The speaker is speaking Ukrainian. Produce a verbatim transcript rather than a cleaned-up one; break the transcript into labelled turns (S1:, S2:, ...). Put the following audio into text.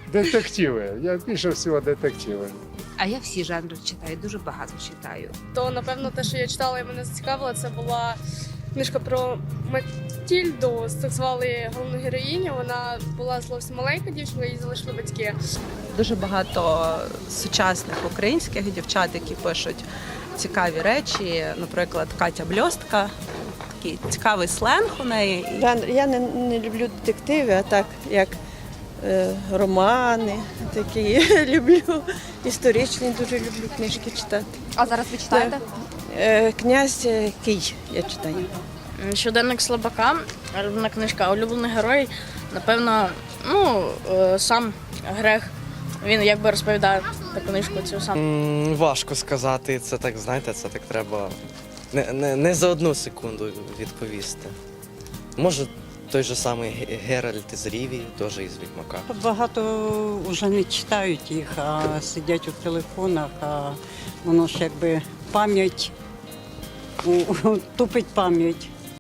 S1: Детективи. Я більше всього детективи.
S2: А я всі жанри читаю, дуже багато читаю.
S3: То, напевно, те, що я читала і мене зацікавило, це була книжка про Матільду, так звали головну героїню. Вона була зовсім маленька дівчинка, її залишили батьки.
S4: Дуже багато сучасних українських дівчат, які пишуть цікаві речі. Наприклад, Катя Бльостка. Такий цікавий сленг у неї.
S5: Жанр. Я не, не люблю детективи, а так як е, романи, такі люблю. Історичні дуже люблю книжки читати.
S6: А зараз ви читаєте?
S5: Е, Князь е, Кий я читаю.
S7: Щоденник слабака, улюблена книжка, улюблений герой, напевно, ну, е, сам Грех. Він якби розповідає таку книжку цю сам.
S8: М, Важко сказати, це так, знаєте, це так треба не, не, не за одну секунду відповісти. Може, той же самий Ге- Геральт із Рівії, теж із Відьмака.
S9: Багато вже не читають їх, а сидять у телефонах, а воно ж якби пам'ять, у- тупить пам'ять.